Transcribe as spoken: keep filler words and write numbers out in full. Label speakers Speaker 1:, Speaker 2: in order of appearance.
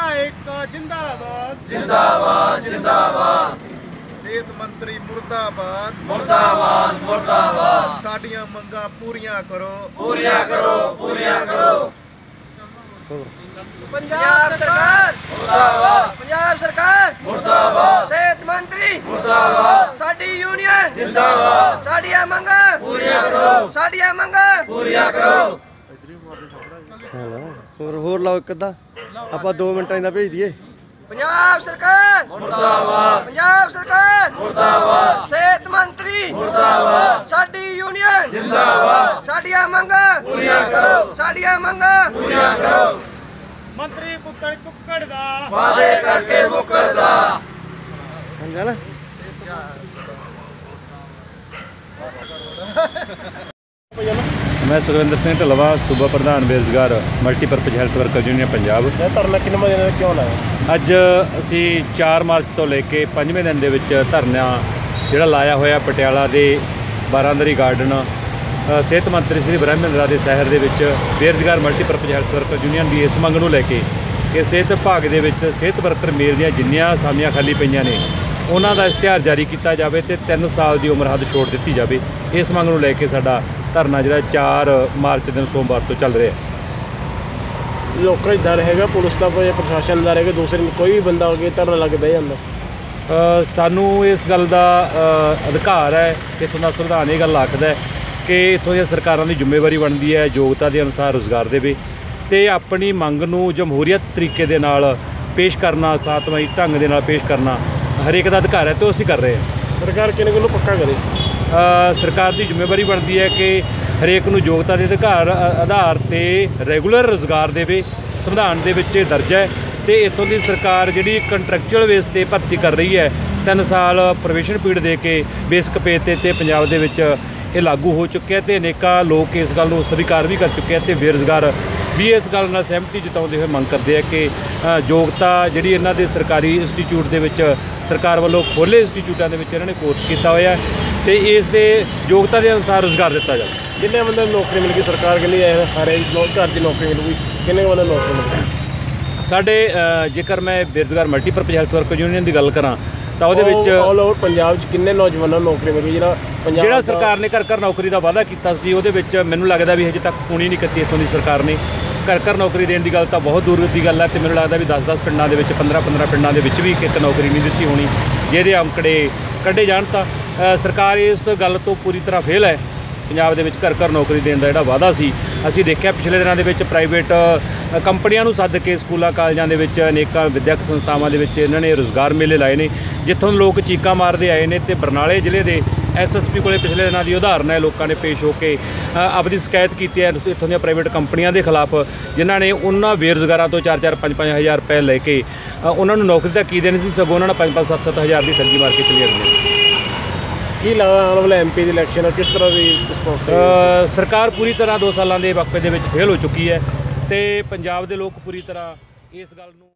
Speaker 1: ਏਕਤਾ जिंदाबाद
Speaker 2: जिंदाबाद जिंदाबाद
Speaker 3: सेहत मंत्री मुर्दाबाद
Speaker 2: मुर्दाबाद मुर्दाबाद
Speaker 3: साडियां मंगां पूरियां करो
Speaker 2: पूरियां करो पूरियां करो
Speaker 4: पंजाब सरकार
Speaker 2: मुर्दाबाद
Speaker 4: पंजाब सरकार
Speaker 2: मुर्दाबाद
Speaker 4: सेहत मंत्री
Speaker 2: मुर्दाबाद
Speaker 4: साडी यूनियन
Speaker 2: जिंदाबाद
Speaker 4: साडियां मंगां
Speaker 2: पूरियां करो
Speaker 4: साडियां मंगां
Speaker 2: पूरियां करो
Speaker 5: ਹੋਰ ਹੋਰ ਲਾਓ ਇੱਕ ਅੱਧਾ ਆਪਾਂ ਦੋ ਮਿੰਟਾਂ ਦਾ ਭੇਜ ਦਈਏ।
Speaker 4: पंजाब सरकार
Speaker 2: मुर्दाबाद
Speaker 4: पंजाब सरकार
Speaker 2: मुर्दाबाद
Speaker 4: सेहत मंत्री
Speaker 2: मुर्दाबाद
Speaker 4: साडी यूनियन
Speaker 2: जिंदाबाद
Speaker 4: साडियां मंगां
Speaker 2: पूरियां करो
Speaker 4: साडियां मंगां
Speaker 2: पूरियां करो
Speaker 1: मंत्री पुत्तर कुक्कड़ दा
Speaker 2: वादे करके मुकरदा
Speaker 5: ਸਮਝਿਆ ਨਾ।
Speaker 6: मैं सुखविंदर सिंह ढलवा सूबा प्रधान बेरोजगार multipurpose health worker union Punjab.
Speaker 1: ਧਰਨਾ ਕਿੰਨੇ ਵਜੇ ਦਾ ਕਿਉਂ ਲਾਇਆ?
Speaker 6: ਅੱਜ ਅਸੀਂ ਚਾਰ ਮਾਰਚ ਤੋਂ ਲੈ ਕੇ ਪੰਜਵੇਂ ਦਿਨ ਦੇ ਵਿੱਚ ਧਰਨਾ ਜਿਹੜਾ ਲਾਇਆ ਹੋਇਆ ਪਟਿਆਲਾ ਦੇ ਬਾਰਾਂਦਰੀ ਗਾਰਡਨ ਅ, ਸਿਹਤ ਮੰਤਰੀ ਸ੍ਰੀ ਬ੍ਰਹਮਿੰਦਰਾ ਦੇ ਸ਼ਹਿਰ ਦੇ ਵਿੱਚ ਬੇਰੁਜ਼ਗਾਰ ਮਲਟੀਪਰਪਜ ਹੈਲਥ ਵਰਕਰ ਯੂਨੀਅਨ ਦੀ ਇਸ ਮੰਗ ਨੂੰ ਲੈ ਕੇ ਕਿ ਸਿਹਤ ਵਿਭਾਗ ਦੇ ਵਿੱਚ ਸਿਹਤ ਵਰਕਰ ਮੇਲ ਦੀਆਂ ਜਿੰਨੀਆਂ ਅਸਾਮੀਆਂ ਖਾਲੀ ਪਈਆਂ ਨੇ ਉਹਨਾਂ ਦਾ ਇਸ਼ਤਿਹਾਰ ਜਾਰੀ ਕੀਤਾ ਜਾਵੇ ਤੇ ਤਿੰਨ ਸਾਲ ਦੀ ਉਮਰ ਹੱਦ ਛੋੜ ਦਿੱਤੀ ਜਾਵੇ। ਇਸ ਮੰਗ ਨੂੰ ਲੈ ਕੇ ਸਾਡਾ ਧਰਨਾ ਜਿਹੜਾ ਚਾਰ ਮਾਰਚ ਦਿਨ ਸੋਮਵਾਰ ਤੋਂ ਚੱਲ ਰਿਹਾ।
Speaker 1: ਲੋਕਾਂ ਦਾ ਡਰ ਹੈਗਾ, ਪੁਲਿਸ ਦਾ ਕੋਈ ਪ੍ਰਸ਼ਾਸਨ ਦਾ ਹੈਗਾ, ਦੂਸਰੇ ਕੋਈ ਵੀ ਬੰਦਾ ਹੋ ਕੇ ਧਰਨਾ ਲਾ ਕੇ ਬਹਿ ਜਾਂਦਾ।
Speaker 6: ਅ, ਸਾਨੂੰ ਇਸ ਗੱਲ ਦਾ ਅ, ਅਧਿਕਾਰ ਹੈ ਕਿ ਇੱਥੋਂ ਦਾ ਸੰਵਿਧਾਨ ਇਹ ਗੱਲ ਆਖਦਾ ਹੈ ਕਿ ਇੱਥੋਂ ਦੀਆਂ ਸਰਕਾਰਾਂ ਦੀ ਜ਼ਿੰਮੇਵਾਰੀ ਬਣਦੀ ਹੈ ਯੋਗਤਾ ਦੇ ਅਨੁਸਾਰ ਰੁਜ਼ਗਾਰ ਦੇਵੇ ਅਤੇ ਆਪਣੀ ਮੰਗ ਨੂੰ ਜਮਹੂਰੀਅਤ ਤਰੀਕੇ ਦੇ ਨਾਲ ਪੇਸ਼ ਕਰਨਾ, ਸਾਤਵਾਈ ਢੰਗ ਦੇ ਨਾਲ ਪੇਸ਼ ਕਰਨਾ ਹਰੇਕ ਦਾ ਅਧਿਕਾਰ ਹੈ ਅਤੇ ਉਹ ਅਸੀਂ ਕਰ ਰਹੇ ਹਾਂ।
Speaker 1: ਸਰਕਾਰ ਕਿਹਨੇ ਕੋਲੋਂ ਪੱਕਾ ਕਰੇ?
Speaker 6: ਅ, ਸਰਕਾਰ ਦੀ ਜ਼ਿੰਮੇਵਾਰੀ ਬਣਦੀ ਹੈ ਕਿ ਹਰੇਕ ਨੂੰ ਯੋਗਤਾ ਦੇ ਅਧਿਕਾਰ ਅ- ਆਧਾਰ 'ਤੇ ਰੈਗੂਲਰ ਰੁਜ਼ਗਾਰ ਦੇਵੇ। ਸੰਵਿਧਾਨ ਦੇ ਵਿੱਚ ਇਹ ਦਰਜ ਹੈ ਅਤੇ ਇੱਥੋਂ ਦੀ ਸਰਕਾਰ ਜਿਹੜੀ ਕੰਟਰੈਕਚੁਅਲ ਬੇਸ 'ਤੇ ਭਰਤੀ ਕਰ ਰਹੀ ਹੈ ਤਿੰਨ ਸਾਲ ਪ੍ਰੋਬੇਸ਼ਨ ਪੀਰੀਅਡ ਦੇ ਕੇ ਬੇਸਿਕ ਪੇ 'ਤੇ ਅਤੇ ਪੰਜਾਬ ਦੇ ਵਿੱਚ ਇਹ ਲਾਗੂ ਹੋ ਚੁੱਕਿਆ ਅਤੇ ਅਨੇਕਾਂ ਲੋਕ ਇਸ ਗੱਲ ਨੂੰ ਸਵੀਕਾਰ ਵੀ ਕਰ ਚੁੱਕੇ ਆ ਅਤੇ ਬੇਰੁਜ਼ਗਾਰ ਵੀ ਇਸ ਗੱਲ ਨਾਲ ਸਹਿਮਤੀ ਜਤਾਉਂਦੇ ਹੋਏ ਮੰਗ ਕਰਦੇ ਆ ਕਿ ਅ, ਯੋਗਤਾ ਜਿਹੜੀ ਇਹਨਾਂ ਦੇ ਸਰਕਾਰੀ ਇੰਸਟੀਚਿਊਟ ਦੇ ਵਿੱਚ ਸਰਕਾਰ ਵੱਲੋਂ ਖੋਲ੍ਹੇ ਇੰਸਟੀਚਿਊਟਾਂ ਦੇ ਵਿੱਚ ਇਹਨਾਂ ਨੇ ਕੋਰਸ ਕੀਤਾ ਹੋਇਆ ਅਤੇ ਇਸ ਦੇ ਯੋਗਤਾ ਦੇ ਅਨੁਸਾਰ ਰੁਜ਼ਗਾਰ ਦਿੱਤਾ ਜਾਵੇ।
Speaker 1: ਜਿੰਨੇ ਬੰਦੇ ਨੂੰ ਨੌਕਰੀ ਮਿਲ ਗਈ ਸਰਕਾਰ ਕਹਿੰਦੀ ਹੈ ਹਰੇ ਘਰ ਦੀ ਨੌਕਰੀ ਮਿਲੂਗੀ, ਕਿੰਨੇ ਬੰਦੇ ਨੂੰ ਨੌਕਰੀ ਮਿਲ ਗਈ?
Speaker 6: ਸਾਡੇ ਅ, ਜੇਕਰ ਮੈਂ ਬੇਰੁਜ਼ਗਾਰ ਮਲਟੀਪਰਪਜ਼ ਹੈਲਥ ਵਰਕਰ ਯੂਨੀਅਨ ਦੀ ਗੱਲ ਕਰਾਂ ਤਾਂ ਉਹਦੇ ਵਿੱਚ
Speaker 1: ਆਲ ਓਵਰ ਪੰਜਾਬ 'ਚ ਕਿੰਨੇ ਨੌਜਵਾਨਾਂ ਨੂੰ ਨੌਕਰੀ ਮਿਲ ਗਈ? ਜਿਹੜਾ ਪੰਜਾਬ
Speaker 6: ਜਿਹੜਾ
Speaker 1: ਦਾ-
Speaker 6: ਸਰਕਾਰ ਨੇ ਘਰ ਘਰ ਨੌਕਰੀ ਦਾ ਵਾਅਦਾ ਕੀਤਾ ਸੀ ਉਹਦੇ ਵਿੱਚ ਮੈਨੂੰ ਲੱਗਦਾ ਵੀ ਹਜੇ ਤੱਕ ਪੂਰੀ ਨਹੀਂ ਕੀਤੀ ਇੱਥੋਂ ਦੀ ਸਰਕਾਰ ਨੇ। ਘਰ ਘਰ ਨੌਕਰੀ ਦੇਣ ਦੀ ਗੱਲ ਤਾਂ ਬਹੁਤ ਦੂਰ ਦੀ ਗੱਲ ਹੈ ਅਤੇ ਮੈਨੂੰ ਲੱਗਦਾ ਵੀ ਦਸ ਦਸ ਪਿੰਡਾਂ ਦੇ ਵਿੱਚ ਪੰਦਰਾਂ ਪੰਦਰਾਂ ਪਿੰਡਾਂ ਦੇ ਵਿੱਚ ਵੀ ਇੱਕ ਇੱਕ ਨੌਕਰੀ ਨਹੀਂ ਦਿੱਤੀ ਹੋਣੀ। ਜਿਹਦੇ ਅੰਕੜੇ ਕੱਢੇ ਜਾਣ ਤਾਂ ਅ, ਸਰਕਾਰ ਇਸ ਗੱਲ ਤੋਂ ਪੂਰੀ ਤਰ੍ਹਾਂ ਫੇਲ ਹੈ। ਪੰਜਾਬ ਦੇ ਵਿੱਚ ਘਰ ਘਰ ਨੌਕਰੀ ਦੇਣ ਦਾ ਜਿਹੜਾ ਵਾਅਦਾ ਸੀ ਅਸੀਂ ਦੇਖਿਆ ਪਿਛਲੇ ਦਿਨਾਂ ਦੇ ਵਿੱਚ ਪ੍ਰਾਈਵੇਟ ਅ, ਕੰਪਨੀਆਂ ਨੂੰ ਸੱਦ ਕੇ ਸਕੂਲਾਂ ਕਾਲਜਾਂ ਦੇ ਵਿੱਚ ਅਨੇਕਾਂ ਵਿੱਦਿਅਕ ਸੰਸਥਾਵਾਂ ਦੇ ਵਿੱਚ ਇਹਨਾਂ ਨੇ ਰੁਜ਼ਗਾਰ ਮੇਲੇ ਲਾਏ ਨੇ ਜਿੱਥੋਂ ਲੋਕ ਚੀਕਾਂ ਮਾਰਦੇ ਆਏ ਨੇ ਅਤੇ ਬਰਨਾਲੇ ਜ਼ਿਲ੍ਹੇ ਦੇ ਐਸ ਐਸ ਪੀ ਕੋਲੇ ਪਿਛਲੇ ਦਿਨਾਂ ਦੀ ਉਦਾਹਰਨ ਹੈ। ਲੋਕਾਂ ਨੇ ਪੇਸ਼ ਹੋ ਕੇ ਅ, ਆਪਣੀ ਸ਼ਿਕਾਇਤ ਕੀਤੀ ਹੈ ਇੱਥੋਂ ਦੀਆਂ ਪ੍ਰਾਈਵੇਟ ਕੰਪਨੀਆਂ ਦੇ ਖਿਲਾਫ ਜਿਨ੍ਹਾਂ ਨੇ ਉਹਨਾਂ ਬੇਰੁਜ਼ਗਾਰਾਂ ਤੋਂ ਚਾਰ ਚਾਰ ਪੰਜ ਪੰਜ ਹਜ਼ਾਰ ਰੁਪਏ ਲੈ ਕੇ ਅ, ਉਹਨਾਂ ਨੂੰ ਨੌਕਰੀ ਤਾਂ ਕੀ ਦੇਣੀ ਸੀ, ਸਗੋਂ ਉਹਨਾਂ ਨੇ ਪੰਜ ਪੰਜ ਸੱਤ ਸੱਤ ਹਜ਼ਾਰ ਦੀ ਠੱਗੀ ਮਾਰ ਕੇ ਚਲੀ ਜਾਂਦੀ।
Speaker 1: ਕੀ ਲੱਗਦਾ ਆਉਣ ਵਾਲਾ ਐਮ ਪੀ ਦੀ ਇਲੈਕਸ਼ਨ ਕਿਸ ਤਰ੍ਹਾਂ ਦੀ ਰਿਸਪੌਂਸ ਦੇਵੇਗੀ?
Speaker 6: ਅ, ਸਰਕਾਰ ਪੂਰੀ ਤਰ੍ਹਾਂ ਦੋ ਸਾਲਾਂ ਦੇ ਵਕਫੇ ਦੇ ਵਿੱਚ ਫੇਲ ਹੋ ਚੁੱਕੀ ਹੈ ਅਤੇ ਪੰਜਾਬ ਦੇ ਲੋਕ ਪੂਰੀ ਤਰ੍ਹਾਂ ਇਸ ਗੱਲ ਨੂੰ